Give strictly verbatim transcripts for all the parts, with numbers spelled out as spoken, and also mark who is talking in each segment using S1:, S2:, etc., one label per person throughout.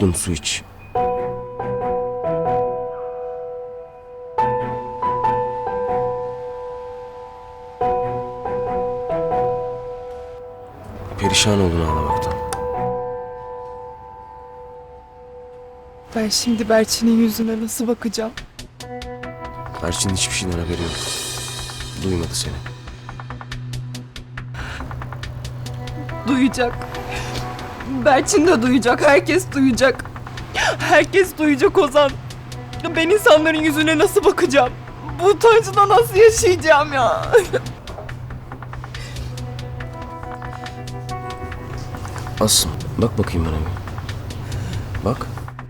S1: yudum su iç. Perişan oldun ağlamaktan.
S2: Ben şimdi Berçin'in yüzüne nasıl bakacağım?
S1: Berçin'in hiçbir şeyden haberi yok. Duymadı seni.
S2: Duyacak. Berçin de duyacak. Herkes duyacak. Herkes duyacak Ozan. Ben insanların yüzüne nasıl bakacağım? Bu utancına nasıl yaşayacağım ya?
S1: Asım, bak bakayım bana bir. Bak.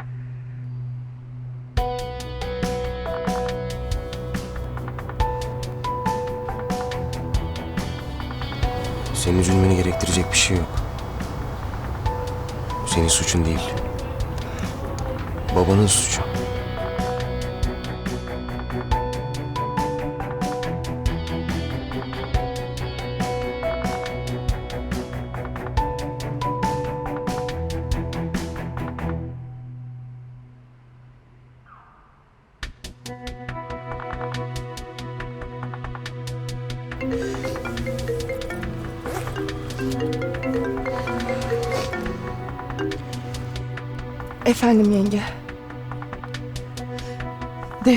S1: Senin üzülmeni gerektirecek bir şey yok. Bu senin suçun değil. Babanın suçu.
S2: Efendim yenge. De.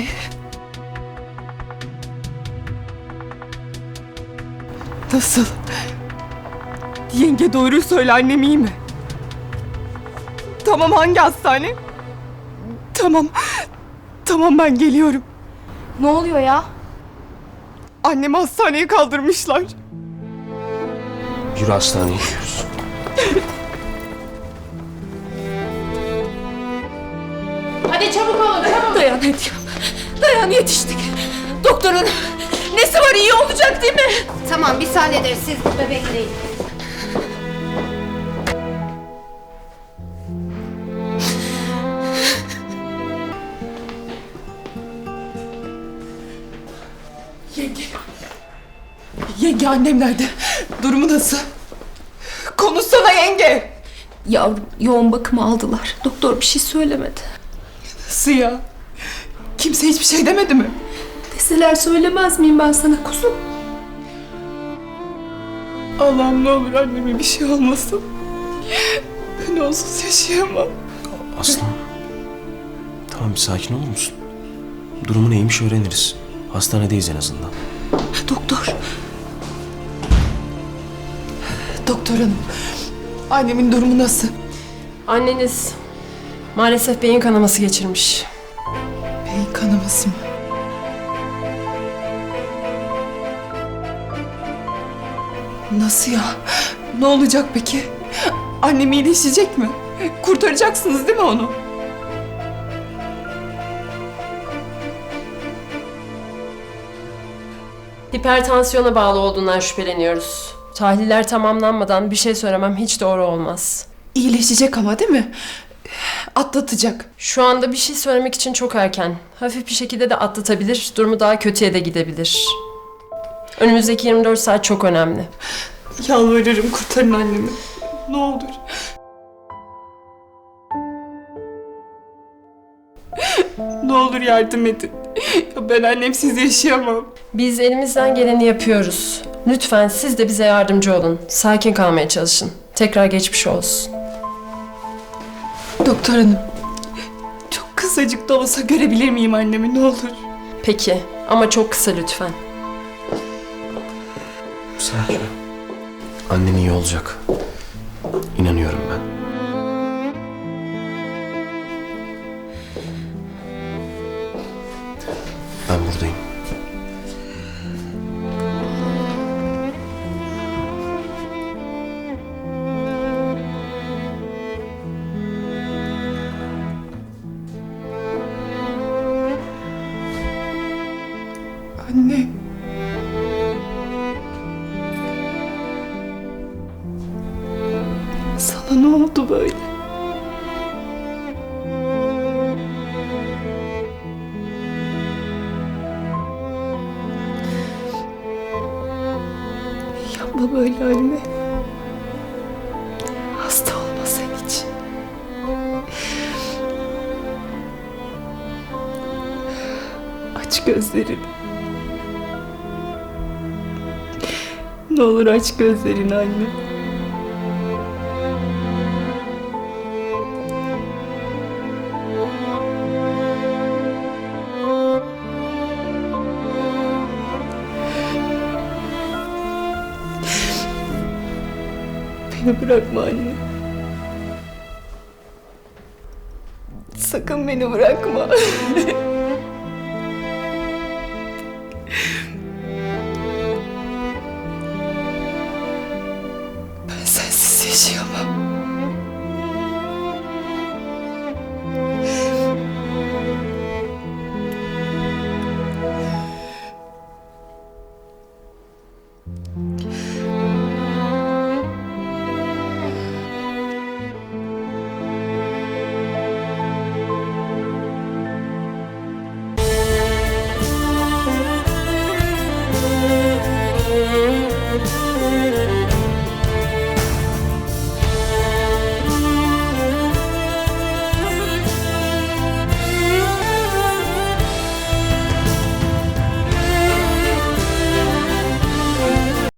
S2: Nasıl? Yenge doğruyu söyle, annem iyi mi? Tamam, hangi hastane? Tamam. Tamam, ben geliyorum.
S3: Ne oluyor ya?
S2: Annemi hastaneye kaldırmışlar.
S1: Yürü, hastaneye gidiyoruz.
S3: Hadi çabuk olun, çabuk.
S4: Dayan Hediye. Dayan, yetiştik. Doktorun nesi var, iyi olacak değil mi?
S3: Tamam, biz hallederiz. Siz burada bekleyin.
S2: Yenge. Yenge, annem nerede? Durumu nasıl? Konuşsana yenge.
S4: Yavrum yoğun bakıma aldılar. Doktor bir şey söylemedi.
S2: Nasıl ya? Kimse hiçbir şey demedi mi?
S4: Deseler söylemez miyim ben sana kuzum?
S2: Allah'ım, ne olur anneme bir şey olmasın. Ben onsuz yaşayamam.
S1: Aslım. Tamam, bir sakin olur musun? Durumu neymiş öğreniriz. Hastanedeyiz en azından.
S4: Doktor.
S2: Doktor hanım, annemin durumu nasıl?
S5: Anneniz maalesef beyin kanaması geçirmiş.
S2: Beyin kanaması mı? Nasıl ya? Ne olacak peki? Annem iyileşecek mi? Kurtaracaksınız değil mi onu?
S5: Hipertansiyona bağlı olduğundan şüpheleniyoruz. Tahliller tamamlanmadan bir şey söylemem hiç doğru olmaz.
S2: İyileşecek ama değil mi? Atlatacak.
S5: Şu anda bir şey söylemek için çok erken. Hafif bir şekilde de atlatabilir, durumu daha kötüye de gidebilir. Önümüzdeki yirmi dört saat çok önemli.
S2: Yalvarırım, kurtarın annemi. Ne olur. Ne olur yardım edin. Ya ben annemsiz yaşayamam.
S5: Biz elimizden geleni yapıyoruz. Lütfen siz de bize yardımcı olun. Sakin kalmaya çalışın. Tekrar geçmiş olsun.
S2: Doktor hanım, çok kısacık da olsa görebilir miyim annemi, ne olur?
S5: Peki ama çok kısa lütfen.
S1: Sakin ol. Annen iyi olacak. İnanıyorum ben. Ben buradayım.
S2: Anne. Sana ne oldu böyle? Yapma böyle anne. Hasta olma sen hiç. Aç gözlerini. Ne olur aç gözlerini anne. Beni bırakma anne. Sakın beni bırakma. Ben sensiz yaşayamam.
S5: Müzik